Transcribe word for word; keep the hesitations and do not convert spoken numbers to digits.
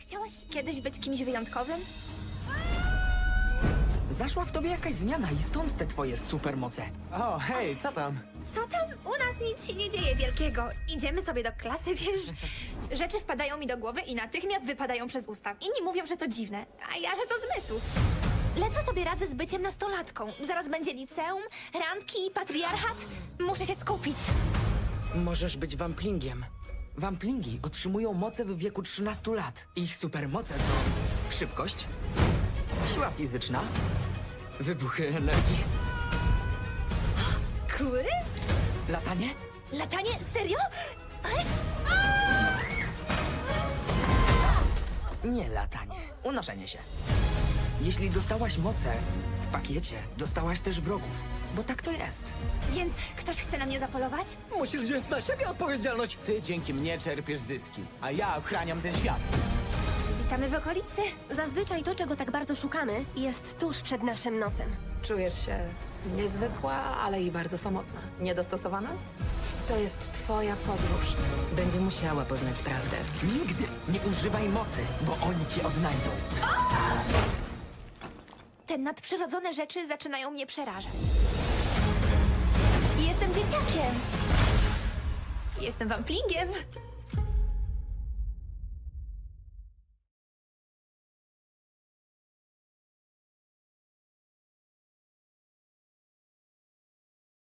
chciałaś kiedyś być kimś wyjątkowym? Zaszła w tobie jakaś zmiana i stąd te twoje supermoce. O, hej, co tam? Co tam? U nas nic się nie dzieje wielkiego. Idziemy sobie do klasy, wiesz? Rzeczy wpadają mi do głowy i natychmiast wypadają przez usta. Inni mówią, że to dziwne, a ja, że to zmysł. Ledwo sobie radzę z byciem nastolatką. Zaraz będzie liceum, randki i patriarchat. Muszę się skupić. Możesz być wamplingiem. Wamplingi otrzymują moce w wieku trzynastu lat. Ich supermoce to szybkość, siła fizyczna, wybuchy energii, Kury? latanie. Latanie? Serio? Ej, Nie latanie, unoszenie się. Jeśli dostałaś moce w pakiecie, dostałaś też wrogów, bo tak to jest. Więc ktoś chce na mnie zapolować? Musisz wziąć na siebie odpowiedzialność. Ty dzięki mnie czerpiesz zyski, a ja ochraniam ten świat. Witamy w okolicy. Zazwyczaj to, czego tak bardzo szukamy, jest tuż przed naszym nosem. Czujesz się niezwykła, ale i bardzo samotna. Niedostosowana? To jest twoja podróż. Będzie musiała poznać prawdę. Nigdy nie używaj mocy, bo oni cię odnajdą. Te nadprzyrodzone rzeczy zaczynają mnie przerażać. Jestem dzieciakiem. Jestem wamplingiem.